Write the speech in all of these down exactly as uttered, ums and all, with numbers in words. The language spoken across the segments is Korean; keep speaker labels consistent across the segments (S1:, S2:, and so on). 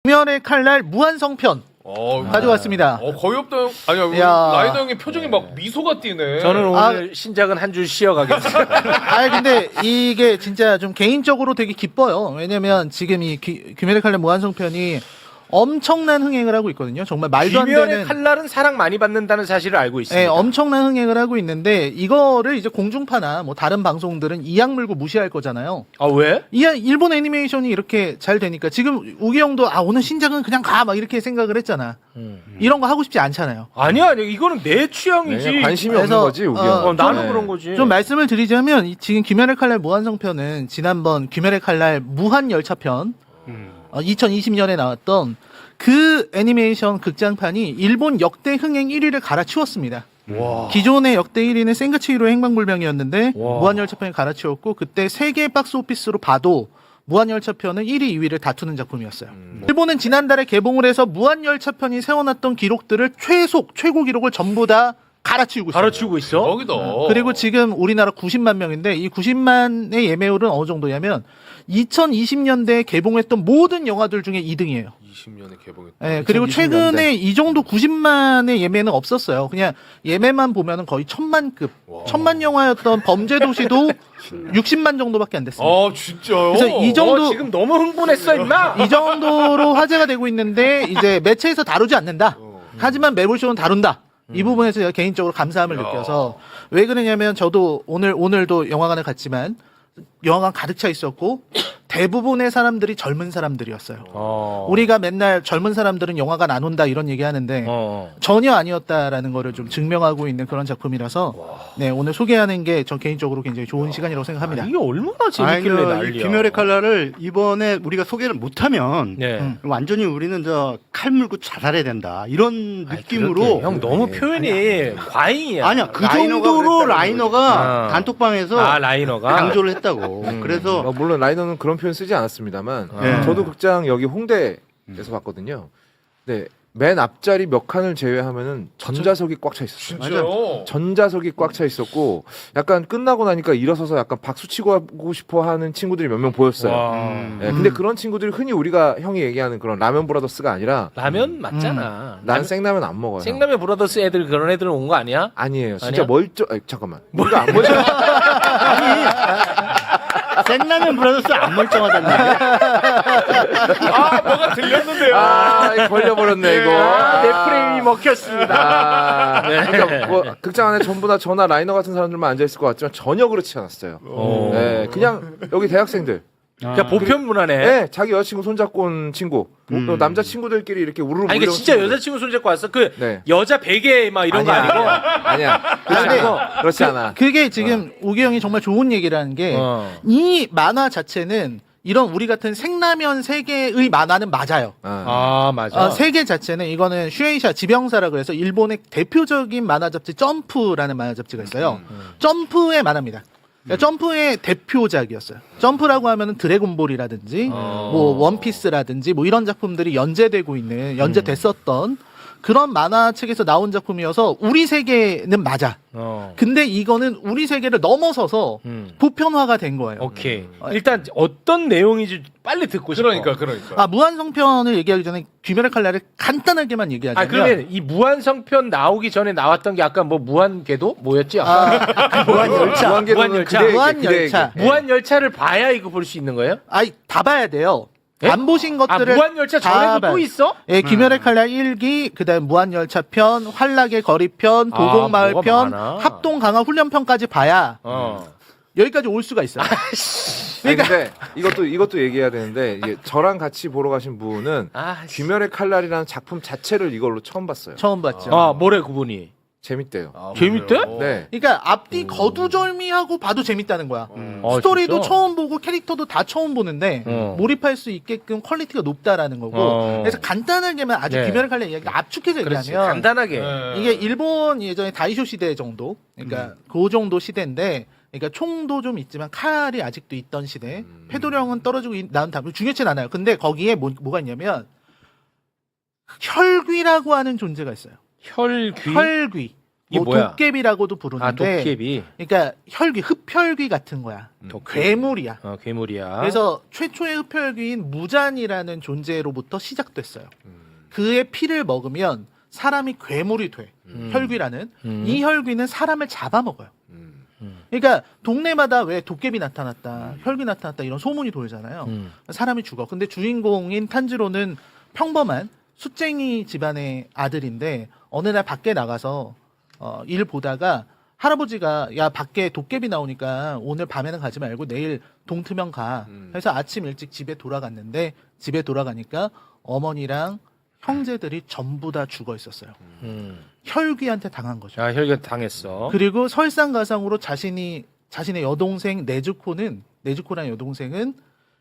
S1: 귀멸의 칼날 무한성편
S2: 어,
S1: 가져왔습니다.
S2: 어, 거의 없다. 형. 아니야,
S1: 야.
S2: 라이더 형의 표정이 막 미소가 띄네.
S3: 저는 오늘
S1: 아.
S3: 신작은 한 줄 쉬어가겠습니다.
S1: 아 근데 이게 진짜 좀 개인적으로 되게 기뻐요. 왜냐면 지금 이 귀, 귀멸의 칼날 무한성편이 엄청난 흥행을 하고 있거든요. 정말 말도 안
S3: 귀멸의
S1: 되는.
S3: 칼날은 사랑 많이 받는다는 사실을 알고 있습니다.
S1: 네, 엄청난 흥행을 하고 있는데 이거를 이제 공중파나 뭐 다른 방송들은 이악 물고 무시할 거잖아요.
S3: 아 왜?
S1: 이 일본 애니메이션이 이렇게 잘 되니까 지금 우기 형도 아 오늘 신작은 그냥 가 막 이렇게 생각을 했잖아.
S3: 음.
S1: 이런 거 하고 싶지 않잖아요.
S3: 아니야, 아니야. 이거는 내 취향이지.
S4: 네, 관심이
S1: 그래서,
S4: 없는 거지 우기
S1: 어,
S4: 형.
S3: 어, 나는
S4: 네.
S3: 그런 거지.
S1: 좀 말씀을 드리자면 이 지금 귀멸의 칼날 무한성편은 지난번 귀멸의 칼날 무한열차편
S3: 음.
S1: 어, 이천이십 년에 나왔던 그 애니메이션 극장판이 일본 역대 흥행 일 위를 갈아치웠습니다.
S3: 와.
S1: 기존의 역대 일 위는 센가치히로의 행방불명이었는데
S3: 와.
S1: 무한열차편이 갈아치웠고 그때 세계 박스 오피스로 봐도 무한열차편은 일 위, 이 위를 다투는 작품이었어요.
S4: 음.
S1: 일본은 지난달에 개봉을 해서 무한열차편이 세워놨던 기록들을 최속, 최고 기록을 전부 다 갈아치우고 있어요.
S3: 가르치고 있어?
S2: 거기다.
S1: 그리고 지금 우리나라 구십만 명인데 이 구십만의 예매율은 어느 정도냐면 이천이십 년대에 개봉했던 모든 영화들 중에 이 등이에요.
S2: 이십 년에 개봉했다.
S1: 네, 그리고
S4: 이천이십
S1: 최근에
S4: 년대.
S1: 이 정도 구십만의 예매는 없었어요. 그냥 예매만 보면은 거의 천만급,
S2: 와.
S1: 천만 영화였던 범죄도시도 육십만 정도밖에 안 됐습니다.
S2: 아 진짜요?
S1: 그래서 이 정도-
S3: 어, 지금 너무 흥분했어, 임마.
S1: 이 정도로 화제가 되고 있는데 이제 매체에서 다루지 않는다.
S2: 어.
S1: 하지만 매불쇼는 다룬다. 이 부분에서 제가 개인적으로 감사함을
S2: 야.
S1: 느껴서 왜 그러냐면 저도 오늘 오늘도 영화관에 갔지만 영화관 가득 차 있었고 대부분의 사람들이 젊은 사람들이었어요.
S3: 어.
S1: 우리가 맨날 젊은 사람들은 영화관 안 온다 이런 얘기 하는데
S3: 어.
S1: 전혀 아니었다라는 거를 좀 증명하고 있는 그런 작품이라서 네 오늘 소개하는 게 저 개인적으로 굉장히 좋은 시간이라고 생각합니다.
S3: 이게 얼마나
S5: 아니,
S3: 재밌길래
S5: 그, 이
S3: 난리야.
S5: 귀멸의 칼날을 이번에 우리가 소개를 못하면
S3: 네.
S1: 음.
S5: 완전히 우리는 저 칼 물고 자살해야 된다 이런
S3: 아이,
S5: 느낌으로
S3: 그렇게, 형 너무 표현이 과잉이야.
S5: 아니야 그
S4: 라이너가
S5: 정도로
S4: 그랬다는
S5: 라이너가
S3: 거지.
S5: 단톡방에서
S3: 아 라이너가
S5: 강조를 했다고.
S4: 음.
S5: 그래서
S4: 어, 물론 라이너는 그런 표현 쓰지 않았습니다만
S5: 네.
S4: 저도 극장 여기 홍대에서 봤거든요. 네, 맨 앞자리 몇 칸을 제외하면은 전자석이 꽉 차 있었어요.
S2: 진짜요?
S4: 전자석이 꽉 차 있었고 약간 끝나고 나니까 일어서서 약간 박수 치고 하고 싶어 하는 친구들이 몇 명 보였어요.
S3: 와.
S5: 음.
S4: 네, 근데 그런 친구들이 흔히 우리가 형이 얘기하는 그런 라면 브라더스가 아니라
S3: 라면 맞잖아.
S4: 난 생라면 안 먹어요.
S3: 생라면 브라더스 애들 그런 애들 온 거 아니야?
S4: 아니에요. 진짜
S3: 아니야?
S4: 멀쩡. 아니, 잠깐만. 우리가 안 멀쩡.
S5: 생라면 브라더스 안 멀쩡하다는 얘기야.
S2: 아 뭐가 들렸는데요.
S4: 아, 이거 걸려버렸네 이거.
S3: 아, 내 프레임이 먹혔습니다.
S4: 아, 그러니까 뭐 극장 안에 전부 다 저나 라이너 같은 사람들만 앉아 있을 것 같지만 전혀 그렇지 않았어요.
S3: 오.
S4: 네, 그냥 여기 대학생들.
S3: 그러니까 보편 문화네.
S4: 네, 자기 여자친구 손잡고 온 친구.
S5: 음.
S4: 또 남자 친구들끼리 이렇게 우르르
S3: 아니 이게
S4: 몰려온
S3: 진짜
S4: 친구들.
S3: 여자친구 손잡고 왔어. 그
S4: 네.
S3: 여자 베개 막 이런 거
S4: 아니야,
S3: 아니고.
S4: 아니야. 그렇지
S1: 근데
S4: 않고 그렇지 않아.
S1: 그게 지금 우기 형이 정말 좋은 얘기라는 게 이
S3: 어.
S1: 만화 자체는 이런 우리 같은 생라면 세계의 만화는 맞아요.
S4: 아,
S3: 아 맞아.
S1: 어, 세계 자체는 이거는 슈에이샤 지병사라 그래서 일본의 대표적인 만화 잡지 점프라는 만화 잡지가 있어요. 점프의 만화입니다. 그러니까 점프의 대표작이었어요. 점프라고 하면은 드래곤볼이라든지
S3: 어.
S1: 뭐 원피스라든지 뭐 이런 작품들이 연재되고 있는 연재됐었던 그런 만화책에서 나온 작품이어서 우리 세계는 맞아.
S3: 어.
S1: 근데 이거는 우리 세계를 넘어서서
S3: 음.
S1: 보편화가 된 거예요.
S3: 오케이. 일단 어떤 내용인지 빨리 듣고 싶어.
S2: 그러니까 그러니까.
S1: 아 무한성편을 얘기하기 전에 귀멸의 칼날을 간단하게만 얘기하자면
S3: 아 그러면 이 무한성편 나오기 전에 나왔던 게 아까 뭐 무한궤도 뭐였지?
S1: 아,
S5: 무한열차.
S4: 무한궤도는
S3: 무한열차.
S4: 그대에게,
S1: 무한열차.
S4: 그대에게.
S3: 무한열차를 봐야 이거 볼 수 있는 거예요?
S1: 아이 다 봐야 돼요.
S3: 예?
S1: 안 보신
S3: 아
S1: 것들을
S3: 무한열차
S1: 다
S3: 전에도
S1: 봐요.
S3: 또 있어?
S1: 예, 귀멸의 칼날 일 기, 그다음 무한열차 편, 환락의 거리 편, 도곡마을
S3: 아, 뭐가
S1: 편,
S3: 많아.
S1: 합동 강화 훈련 편까지 봐야
S3: 어.
S1: 여기까지 올 수가 있어요.
S4: 아니, 근데 이것도 이것도 얘기해야 되는데 이게 저랑 같이 보러 가신 분은
S3: 아,
S4: 귀멸의 칼날이라는 작품 자체를 이걸로 처음 봤어요.
S1: 처음 봤죠.
S3: 아 뭐래 그분이?
S4: 재밌대요.
S2: 아,
S3: 재밌대?
S2: 그래요?
S4: 네.
S1: 그러니까 앞뒤 거두절미하고 봐도 재밌다는 거야.
S2: 음.
S3: 어,
S1: 스토리도
S3: 진짜?
S1: 처음 보고 캐릭터도 다 처음 보는데
S3: 어.
S1: 몰입할 수 있게끔 퀄리티가 높다라는 거고.
S3: 어.
S1: 그래서 간단하게만 아주
S3: 네.
S1: 귀멸의 칼날 이야기를 압축해서
S3: 그렇지.
S1: 얘기하면
S3: 간단하게.
S2: 네.
S1: 이게 일본 예전에 다이쇼 시대 정도, 그러니까 그 정도 시대인데, 그러니까 총도 좀 있지만 칼이 아직도 있던 시대.
S4: 음.
S1: 패도령은 떨어지고 있- 나온 다음에 중요치 않아요. 근데 거기에 뭐, 뭐가 있냐면 혈귀라고 하는 존재가 있어요.
S3: 혈귀.
S1: 혈귀.
S3: 이게
S1: 뭐
S3: 뭐야?
S1: 도깨비라고도
S3: 아
S1: 부르는데
S3: 도깨비.
S1: 그러니까 혈귀, 흡혈귀 같은 거야. 괴물이야.
S3: 어 괴물이야.
S1: 그래서 최초의 흡혈귀인 무잔이라는 존재로부터 시작됐어요.
S2: 음.
S1: 그의 피를 먹으면 사람이 괴물이 돼.
S3: 음.
S1: 혈귀라는.
S3: 음.
S1: 이 혈귀는 사람을 잡아먹어요.
S2: 음.
S1: 그러니까 동네마다 왜 도깨비 나타났다, 혈귀 나타났다 이런 소문이 돌잖아요.
S3: 음.
S1: 사람이 죽어. 근데 주인공인 탄지로는 평범한 숫쟁이 집안의 아들인데 어느 날 밖에 나가서 어, 일 보다가 할아버지가 야 밖에 도깨비 나오니까 오늘 밤에는 가지 말고 내일 동트면 가.
S2: 음.
S1: 해서 아침 일찍 집에 돌아갔는데 집에 돌아가니까 어머니랑 형제들이 전부 다 죽어 있었어요.
S3: 음.
S1: 혈귀한테 당한 거죠.
S3: 아 혈관 당했어.
S1: 그리고 설상가상으로 자신이 자신의 여동생 네즈코는 네즈코라는 여동생은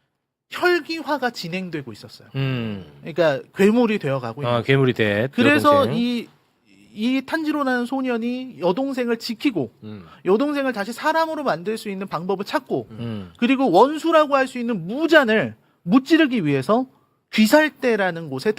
S1: 혈기화가 진행되고 있었어요.
S3: 음.
S1: 그러니까 괴물이 되어가고 있는
S3: 아
S1: 거예요.
S3: 괴물이 돼.
S1: 그래서
S3: 여동생.
S1: 이, 이 탄지로라는 소년이 여동생을 지키고
S2: 음.
S1: 여동생을 다시 사람으로 만들 수 있는 방법을 찾고
S3: 음.
S1: 그리고 원수라고 할 수 있는 무잔을 무찌르기 위해서 귀살대라는 곳에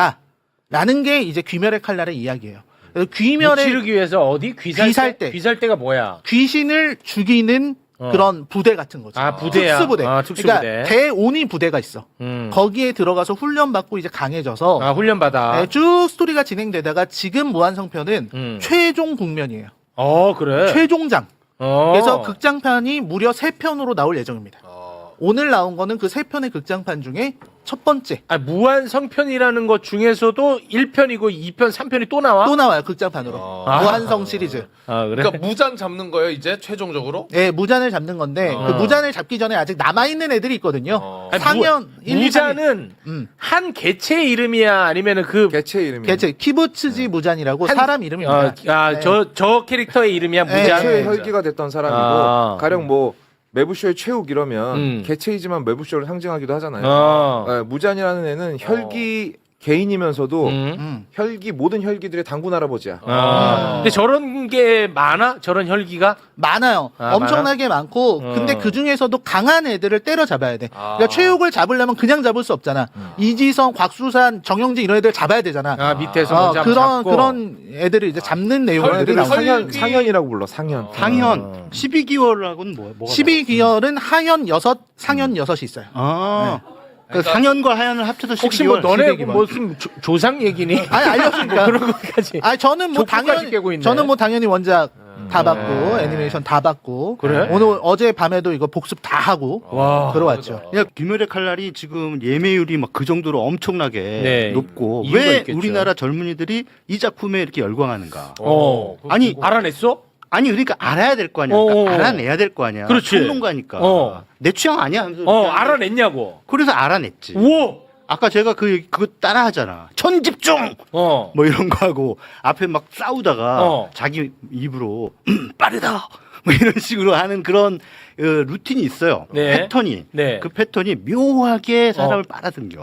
S1: 들어간다라는 게 이제 귀멸의 칼날의 이야기예요. 그래서 귀멸의
S3: 찌르기 위해서 어디 귀살대?
S1: 귀살대.
S3: 귀살대가 뭐야?
S1: 귀신을 죽이는
S3: 어.
S1: 그런 부대 같은 거죠.
S3: 아 부대야.
S1: 특수부대.
S3: 아 특수부대.
S1: 그러니까 대오니 부대가 있어.
S3: 음.
S1: 거기에 들어가서 훈련 받고 이제 강해져서
S3: 아 훈련 받아.
S1: 네, 쭉 스토리가 진행되다가 지금 무한성편은
S3: 음.
S1: 최종 국면이에요.
S3: 어 그래.
S1: 최종장.
S3: 어.
S1: 그래서 극장판이 무려 세 편으로 나올 예정입니다.
S2: 어.
S1: 오늘 나온 거는 그 세 편의 극장판 중에 첫 번째.
S3: 아 무한 성편이라는 것 중에서도 일 편이고 이 편, 삼 편이 또 나와?
S1: 또 나와요 극장판으로.
S2: 아.
S1: 무한성 시리즈.
S3: 아 그래.
S2: 그러니까 무잔 잡는 거예요 이제 최종적으로?
S1: 예, 무잔을 잡는 건데
S2: 어.
S1: 그 무잔을 잡기 전에 아직 남아 있는 애들이 있거든요.
S2: 어.
S3: 아니,
S1: 상현 일, 이, 삼, 이.
S3: 무자는
S1: 음.
S3: 한 개체의 이름이야 아니면은 그
S4: 개체 이름이.
S1: 개체 키부츠지 무잔이라고
S3: 한-
S1: 사람 이름입니다.
S3: 어, 아, 저, 저 캐릭터의 이름이야,
S1: 네.
S3: 무자.
S4: 개체의 혈기가 됐던 사람이고
S3: 아.
S4: 가령 뭐 매부쇼의 최욱 이러면
S3: 음.
S4: 개체이지만 매부쇼를 상징하기도 하잖아요.
S3: 어.
S4: 네, 무잔이라는 애는 혈기 개인이면서도
S3: 음.
S1: 음.
S4: 혈기 모든 혈기들의 단군 할아버지야.
S3: 아. 근데 저런 게 많아? 저런 혈기가?
S1: 많아요.
S3: 아,
S1: 엄청나게 많고
S3: 어.
S1: 근데 그 중에서도 강한 애들을 때려 잡아야 돼.
S2: 아.
S1: 그러니까 최욱을 잡으려면 그냥 잡을 수 없잖아. 이지성, 곽수산, 정영진 이런 애들 잡아야 되잖아.
S3: 아, 밑에서
S1: 어,
S3: 먼저
S1: 그런
S3: 잡고.
S1: 그런 애들을 이제 잡는 내용들이
S4: 애들을
S1: 나와요.
S4: 상현
S2: 혈기-
S4: 상현이라고 불러 상현.
S2: 어.
S5: 상현
S3: 어.
S5: 십이 개월하고는 뭐 뭐가
S1: 십이 기열은 하현 여섯, 상현 여섯이 있어요.
S5: 아. 그
S2: 그러니까-
S5: 상현과 하현을 합쳐서
S3: 혹시 뭐
S5: 십이 개월.
S3: 너네
S1: 십이 개월.
S3: 무슨 조- 조상 얘기니?
S1: 아니 알려주니까.
S3: 그런 것까지.
S1: 아 저는 뭐
S3: 족구까지
S1: 당연히
S3: 깨고 있네.
S1: 저는 뭐 당연히 원작 다 받고
S3: 네.
S1: 애니메이션 다 받고
S3: 그래?
S1: 오늘 어제 밤에도 이거 복습 다 하고
S3: 와.
S1: 들어왔죠.
S5: 그냥 귀멸의 칼날이 지금 예매율이 막 그 정도로 엄청나게
S3: 네.
S5: 높고
S3: 이유가
S5: 왜
S3: 있겠죠.
S5: 우리나라 젊은이들이 이 작품에 이렇게 열광하는가?
S3: 어.
S5: 아니
S3: 알아냈어?
S5: 아니 그러니까 알아야 될 거 아니야.
S3: 어,
S5: 그러니까
S3: 어.
S5: 알아내야 될 거 아니야.
S3: 그렇지.
S5: 평론가니까.
S3: 어.
S5: 내 취향 아니야. 하면서
S3: 어,
S5: 이렇게 하는데
S3: 알아냈냐고.
S5: 그래서 알아냈지.
S3: 우와!
S5: 아까 제가 그 그거 따라 하잖아. 천집중
S3: 어.
S5: 뭐 이런 거 하고 앞에 막 싸우다가
S3: 어.
S5: 자기 입으로 음, 빠르다 뭐 이런 식으로 하는 그런 어, 루틴이 있어요.
S3: 네.
S5: 패턴이
S3: 네.
S5: 그 패턴이 묘하게 사람을 빨아당겨.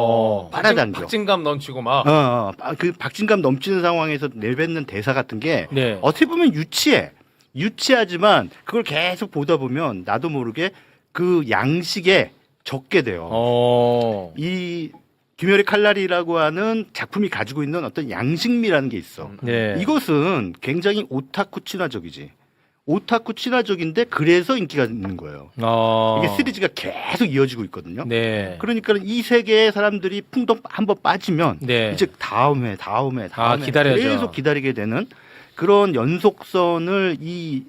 S3: 어.
S5: 빨아당겨.
S2: 박진감 넘치고 막.
S5: 어, 어, 아, 그 박진감 넘치는 상황에서 내뱉는 대사 같은 게
S3: 네.
S5: 어떻게 보면 유치해. 유치하지만 그걸 계속 보다 보면 나도 모르게 그 양식에 적게 돼요.
S3: 어.
S5: 이 귀멸의 칼날이라고 하는 작품이 가지고 있는 어떤 양식미라는 게 있어.
S3: 네.
S5: 이것은 굉장히 오타쿠 친화적이지. 오타쿠 친화적인데 그래서 인기가 있는 거예요.
S3: 어.
S5: 이게 시리즈가 계속 이어지고 있거든요.
S3: 네.
S5: 그러니까 이 세계의 사람들이 풍덩 한번 빠지면
S3: 네.
S5: 이제 다음 회, 다음 회, 다음
S3: 아,
S5: 회
S3: 기다려야죠.
S5: 계속 기다리게 되는 그런 연속선을 이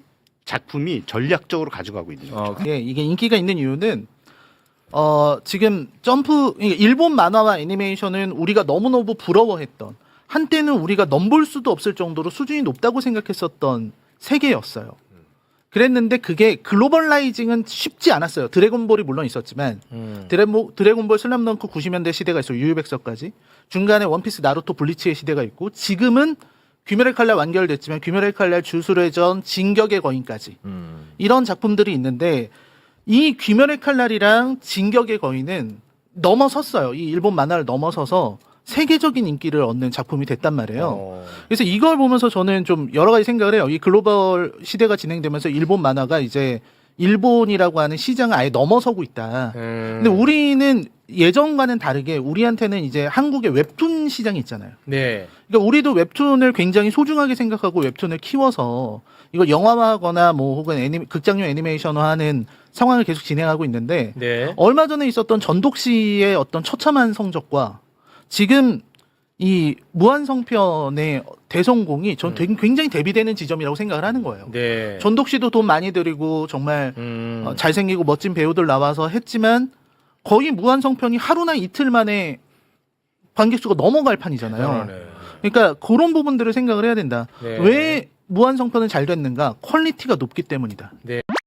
S5: 작품이 전략적으로 가져가고 있는 거죠.
S3: 어.
S1: 예, 이게 인기가 있는 이유는 어 지금 점프 이게 일본 만화와 애니메이션은 우리가 너무너무 부러워했던 한때는 우리가 넘볼 수도 없을 정도로 수준이 높다고 생각했었던 세계였어요. 그랬는데 그게 글로벌라이징은 쉽지 않았어요. 드래곤볼이 물론 있었지만
S3: 음.
S1: 드래모, 드래곤볼 슬램덩크 구십 년대 시대가 있어요. 유유백서까지. 중간에 원피스, 나루토, 블리치의 시대가 있고 지금은 귀멸의 칼날 완결됐지만 귀멸의 칼날 주술의 전, 진격의 거인까지
S4: 음.
S1: 이런 작품들이 있는데 이 귀멸의 칼날이랑 진격의 거인은 넘어섰어요. 이 일본 만화를 넘어서서 세계적인 인기를 얻는 작품이 됐단 말이에요.
S3: 어.
S1: 그래서 이걸 보면서 저는 좀 여러 가지 생각을 해요. 이 글로벌 시대가 진행되면서 일본 만화가 이제 일본이라고 하는 시장을 아예 넘어서고 있다.
S3: 음.
S1: 근데 우리는 예전과는 다르게 우리한테는 이제 한국의 웹툰 시장이 있잖아요.
S3: 네.
S1: 그러니까 우리도 웹툰을 굉장히 소중하게 생각하고 웹툰을 키워서 이걸 영화화하거나 뭐 혹은 애니, 극장용 애니메이션화하는 상황을 계속 진행하고 있는데
S3: 네.
S1: 얼마 전에 있었던 전독 씨의 어떤 처참한 성적과 지금 이 무한성편의 대성공이 전 되게 굉장히 대비되는 지점이라고 생각을 하는 거예요.
S3: 네.
S1: 전독 씨도 돈 많이 들이고 정말
S3: 음.
S1: 어, 잘생기고 멋진 배우들 나와서 했지만 거의 무한성편이 하루나 이틀 만에 관객수가 넘어갈 판이잖아요.
S3: 그러네.
S1: 그러니까 그런 부분들을 생각을 해야 된다.
S3: 네.
S1: 왜 무한성편은 잘 됐는가? 퀄리티가 높기 때문이다.
S3: 네.